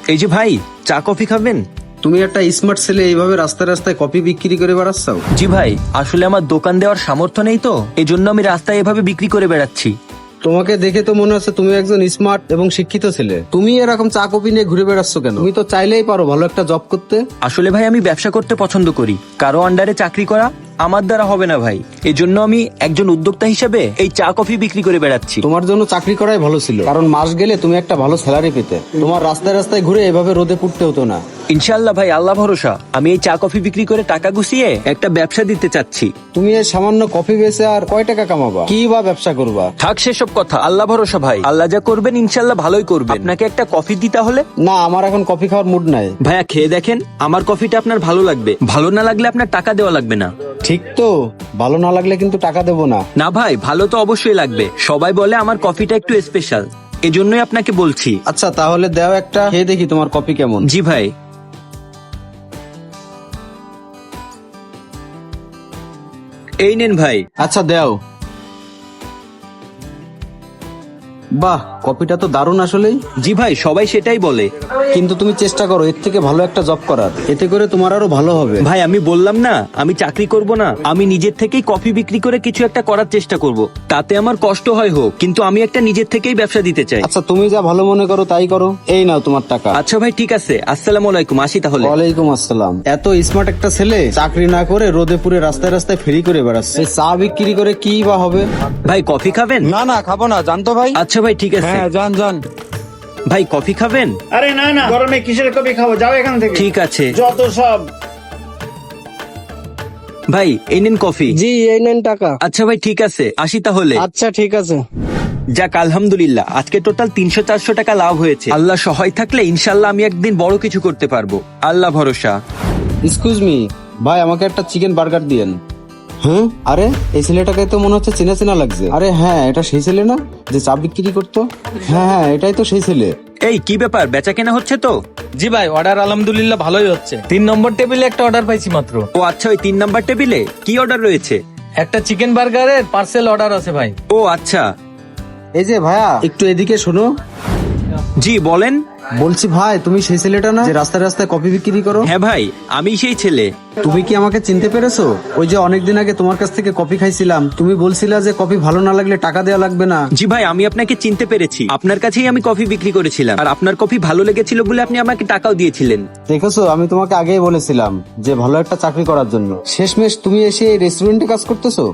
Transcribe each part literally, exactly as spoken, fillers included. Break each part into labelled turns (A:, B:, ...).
A: এই যে ভাই, চা কফি খাবেন?
B: তুমি একটা স্মার্ট ছেলে, এইভাবে রাস্তায় রাস্তায় কফি বিক্রি করে বেড়াচ্ছ?
A: জি ভাই, আসলে আমার দোকান দেওয়ার সামর্থ্য নেই, তো এই জন্য আমি রাস্তায় এভাবে বিক্রি করে বেড়াচ্ছি।
B: তোমাকে দেখে তো মনে হচ্ছে তুমি একজন স্মার্ট এবং শিক্ষিত ছেলে। তুমি এরকম চা কফি নিয়ে ঘুরে বেড়াচ্ছ কেন? তুমি তো চাইলেই পারো ভালো একটা জব করতে।
A: আসলে ভাই আমি ব্যবসা করতে পছন্দ করি, কারো আন্ডারে চাকরি করা আমার দ্বারা হবে না ভাই। এই জন্য আমি একজন উদ্যোক্তা হিসেবে এই চা কফি বিক্রি করে বেড়াচ্ছি।
B: তোমার জন্য চাকরি করাই ভালো ছিল, কারণ মাস গেলে তুমি একটা ভালো স্যালারি পেতে। তোমার রাস্তায় রাস্তায় ঘুরে এভাবে রোদে পুড়তে হতো না।
A: ইনশাল্লাহ ভাই, আল্লাহ ভরসা। আমি এই চা কফি বিক্রি করে টাকা গুছিয়ে একটা ব্যবসা দিতে চাচ্ছি।
B: তুমি এই সামান্য কফি বেচে আর কয় টাকা কামাবা? কি বা ব্যবসা করবা?
A: থাক সেসব কথা, আল্লাহ ভরসা ভাই। আল্লাহ যা করবেন ইনশাল্লাহ ভালোই করবেন। আপনাকে একটা কফি দিতে হলে?
B: না, আমার এখন কফি খাওয়ার মুড নাই।
A: ভাইয়া খেয়ে দেখেন, আমার কফিটা আপনার ভালো লাগবে। ভালো না লাগলে আপনার টাকা দেওয়া লাগবে না।
B: ঠিক তো, ভালো না লাগলে কিন্তু টাকা দেবো না।
A: না ভাই, ভালো তো অবশ্যই লাগবে। সবাই বলে আমার কফিটা একটু স্পেশাল, এজন্যই আপনাকে বলছি।
B: আচ্ছা তাহলে দাও একটা, খেয়ে দেখি তোমার কফি কেমন।
A: জি ভাই। এই নেন ভাই।
B: আচ্ছা দাও। বাহ, কফিটা তো দারুণ আসলেই।
A: জি ভাই, সবাই সেটাই বলে।
B: কিন্তু তুমি চেষ্টা করো এর থেকে ভালো একটা জব করার, এতে করে তোমার আরো ভালো হবে।
A: ভাই আমি বললাম না আমি চাকরি করব না, আমি নিজের থেকেই কফি বিক্রি করে কিছু একটা করার চেষ্টা করব। তাতে আমার কষ্ট হয় হোক, কিন্তু আমি একটা নিজের থেকেই ব্যবসা দিতে চাই।
B: আচ্ছা তুমি যা ভালো মনে করো তাই করো। এই নাও তোমার টাকা।
A: আচ্ছা ভাই ঠিক আছে, আসসালামু আলাইকুম, আসি তাহলে।
B: ওয়ালাইকুম আসসালাম। এত স্মার্ট একটা ছেলে চাকরি না করে রোদে পুরে রাস্তায় রাস্তায় ফেরি করে বেড়াচ্ছে, চা বিক্রি করে কি বা হবে?
A: ভাই কফি খাবেন?
B: না না, খাবো না, জানতো ভাই।
A: আচ্ছা ভাই ঠিক আছে।
B: হ্যাঁ যান যান।
A: ভাই কফি খাবেন?
C: আরে না না, গরমে কিসের কফি খাবো, যাও এখান থেকে।
A: ঠিক আছে।
C: যত সব।
A: ভাই এই নিন কফি।
B: জি এই নেন টাকা।
A: আচ্ছা ভাই ঠিক আছে, আসি তাহলে।
B: আচ্ছা ঠিক আছে।
A: যাক আলহামদুলিল্লাহ, আজকে টোটাল তিনশো চারশো টাকা লাভ হয়েছে। আল্লাহ সহায় থাকলে ইনশাল্লাহ আমি একদিন বড় কিছু করতে পারবো, আল্লাহ ভরসা।
B: এক্সকিউজ মি ভাই, আমাকে একটা চিকেন বার্গার দিয়েন। হ্যাঁ, আরে এই ছেলেটাকে তো মনে হচ্ছে চেনা চেনা লাগছে। আরে হ্যাঁ, এটা সেই ছেলে না যে চা বিক্রি করতো? হ্যাঁ হ্যাঁ, এটাই তো সেই ছেলে।
A: এই কি ব্যাপার, বেচা কেনা হচ্ছে তো?
D: জি ভাই, অর্ডার আলহামদুলিল্লাহ ভালোই হচ্ছে। তিন নম্বর টেবিলে একটা অর্ডার পাইছি মাত্র।
A: ও আচ্ছা, ওই তিন নাম্বার টেবিলে কি অর্ডার রয়েছে?
D: একটা চিকেন বার্গারের পার্সেল অর্ডার আছে ভাই।
A: ও আচ্ছা।
B: এই যে ভাইয়া, একটু এদিকে শোনো।
A: জি বলেন।
B: বলছি ভাই, তুমি সেই ছেলেটা না যে রাস্তায় রাস্তায় কফি বিক্রি করো?
A: হ্যাঁ ভাই, আমি সেই ছেলে।
B: তুমি কি আমাকে চিনতে পেরেছো? ওই যে অনেকদিন আগে তোমার কাছ থেকে কফি খাইছিলাম, তুমি বলছিলা যে কফি ভালো না লাগলে টাকা দেওয়া লাগবে না।
A: জি ভাই, আমি আপনাকে চিনতে পেরেছি। আপনার কাছেই আমি কফি বিক্রি করেছিলাম, আর আপনার কফি ভালো লেগেছিল বলে আপনি আমাকে টাকাও দিয়েছিলেন।
B: দেখেছো, আমি তোমাকে আগেই বলেছিলাম যে ভালো একটা চাকরি করার জন্য। শেষমেশ তুমি এসে এই রেস্টুরেন্টে কাজ করতেছো।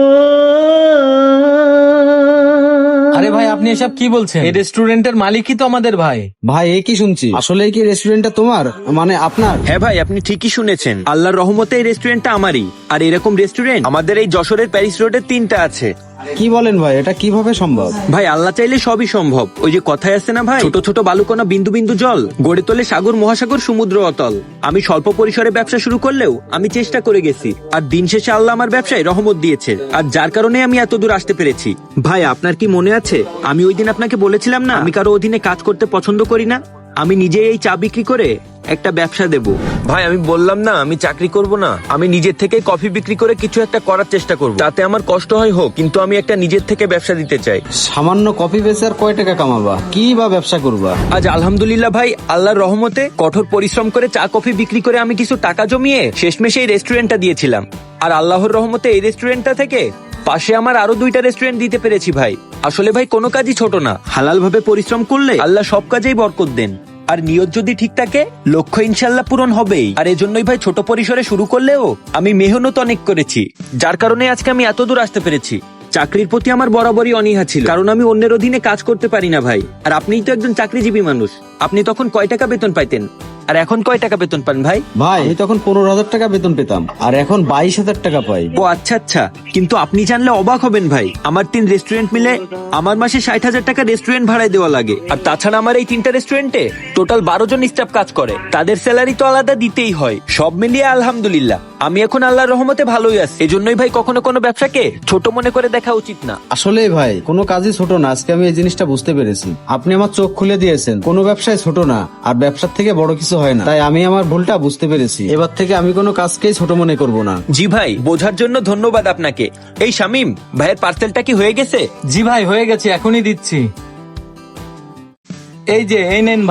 D: আরে ভাই আপনি এসব কি বলছেন? এই রেস্টুরেন্টের মালিকই তো আমাদের ভাই।
B: ভাই এ কি শুনছি? আসলে কি রেস্টুরেন্টটা তোমার, মানে আপনার?
A: হ্যাঁ ভাই, আপনি ঠিকই শুনেছেন। আল্লাহর রহমতে এই রেস্টুরেন্টটা আমারই। আর এরকম রেস্টুরেন্ট আমাদের এই যশোরের প্যারিস রোডে তিনটা আছে।
B: কি বলেন ভাই, এটা কিভাবে সম্ভব?
A: ভাই আল্লাহ চাইলে সবই সম্ভব। ওই যে কথায় আছে না ভাই, ছোট ছোট বালুকণা বিন্দু বিন্দু জল গড়ে তোলে সাগর মহাসাগর সমুদ্র অতল। আমি স্বল্প পরিসরে ব্যবসা শুরু করলেও আমি চেষ্টা করে গেছি, আর দিন শেষে আল্লাহ আমার ব্যবসায় রহমত দিয়েছে, আর যার কারণে আমি এত দূর আসতে পেরেছি। ভাই আপনার কি মনে আছে, আমি ওই দিন আপনাকে বলেছিলাম না আমি কারো অধীনে কাজ করতে পছন্দ করি না, আমি নিজে এই চা বিক্রি করে একটা ব্যবসা দেব। ভাই আমি বললাম না আমি চাকরি করব না, আমি নিজের থেকে কফি বিক্রি করে কিছু একটা করার চেষ্টা করব। তাতে আমার কষ্ট হয় হোক, কিন্তু আমি একটা নিজের থেকে ব্যবসা দিতে চাই।
B: সামান্য কফি বেচে আর কয় টাকা কামাবা? কি বা ব্যবসা করবা?
A: আজ আলহামদুলিল্লাহ ভাই, আল্লাহর রহমতে কঠোর পরিশ্রম করে চা কফি বিক্রি করে আমি কিছু টাকা জমিয়ে শেষমেশ এই রেস্টুরেন্টটা দিয়েছিলাম। আর আল্লাহর রহমতে এই রেস্টুরেন্টটা থেকে পাশে আমার আরো দুইটা রেস্টুরেন্ট দিতে পেরেছি ভাই। আসলে ভাই কোনো কাজই ছোট না, হালাল ভাবে পরিশ্রম করলে আল্লাহ সব কাজেই বরকত দেন, আর নিয়ত যদি ঠিক থাকে লক্ষ্য ইনশাল্লাহ পূরণ হবেই। আর এজন্যই ভাই ছোট পরিসরে শুরু করলেও আমি মেহনত অনেক করেছি, যার কারণে আজকে আমি এত দূর আসতে পেরেছি। চাকরির প্রতি আমার বরাবরই অনীহা ছিল, কারণ আমি অন্যের অধীনে কাজ করতে পারি না ভাই। আর আপনিই তো একজন চাকরিজীবী মানুষ, আপনি তখন কয় টাকা বেতন পাইতেন, আর এখন কয় টাকা বেতন পান ভাই?
B: ভাই আমি তখন পনেরো হাজার টাকা বেতন পেতাম, আর এখন বাইশ হাজার টাকা পাই।
A: ও আচ্ছা আচ্ছা, কিন্তু আপনি জানলে অবাক হবেন ভাই, আমার তিন রেস্টুরেন্ট মিলে আমার মাসে ষাট হাজার টাকা রেস্টুরেন্ট ভাড়ায় দেওয়া লাগে। আর তাছাড়া আমার এই তিনটা রেস্টুরেন্টে টোটাল বারো জন স্টাফ কাজ করে, তাদের স্যালারি তো আলাদা দিতেই হয়। সব মিলিয়ে আলহামদুলিল্লাহ আমি এখন আল্লাহর রহমতে ভালোই আছি। এজন্যই ভাই কখনো কোনো ব্যবসাকে ছোট মনে করে দেখা উচিত না।
B: আসলে ভাই কোনো কাজই ছোট না, আজকে আমি এই জিনিসটা বুঝতে পেরেছি। আপনি আমার চোখ খুলে দিয়েছেন, কোনো ব্যবসায় ছোট না, আর ব্যবসার থেকে বড় কিছু হয় না। তাই আমি আমার ভুলটা বুঝতে পেরেছি, এবার থেকে আমি কোনো কাজকেই ছোট মনে করব না।
A: জি ভাই, বোঝার জন্য ধন্যবাদ আপনাকে। এই শামিম ভাইয়ের পার্সেলটা কি হয়ে গেছে?
D: জি ভাই হয়ে গেছে, এখনই দিচ্ছি। এই যে এই নেন ভাই,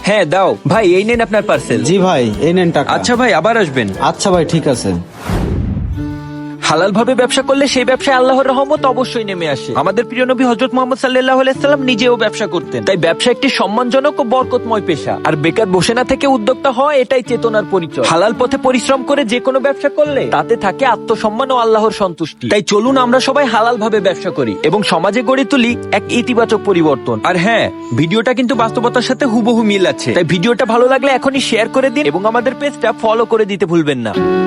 A: হ্যাঁ দাও ভাই, এই নেন আপনার পার্সেল।
B: জি ভাই, এই নেন টাকা।
A: আচ্ছা ভাই, আবার আসবেন।
B: আচ্ছা ভাই, ঠিক আছে।
A: হালাল ভাবে ব্যবসা করলে সেই ব্যবসায় আল্লাহর রহমত অবশ্যই নেমে আসে। আমাদের প্রিয় নবী হযরত মুহাম্মদ সাল্লাল্লাহু আলাইহি সাল্লাম নিজেও ব্যবসা করতেন। তাই ব্যবসা একটি সম্মানজনক ও বরকতময় পেশা। আর বেকার বসে না থেকে উদ্যোক্তা হওয়া এটাই চেতনার পরিচয়। হালাল পথে পরিশ্রম করে যে কোনো ব্যবসা করলে তাতে থাকে আত্মসম্মান ও আল্লাহর সন্তুষ্টি। তাই চলুন আমরা সবাই হালাল ভাবে ব্যবসা করি এবং সমাজে গড়ে তুলি এক ইতিবাচক পরিবর্তন। আর হ্যাঁ, ভিডিওটা কিন্তু বাস্তবতার সাথে হুবহু মিল আছে। তাই ভিডিওটা ভালো লাগলে এখনই শেয়ার করে দিন এবং আমাদের পেজটা ফলো করে দিতে ভুলবেন না।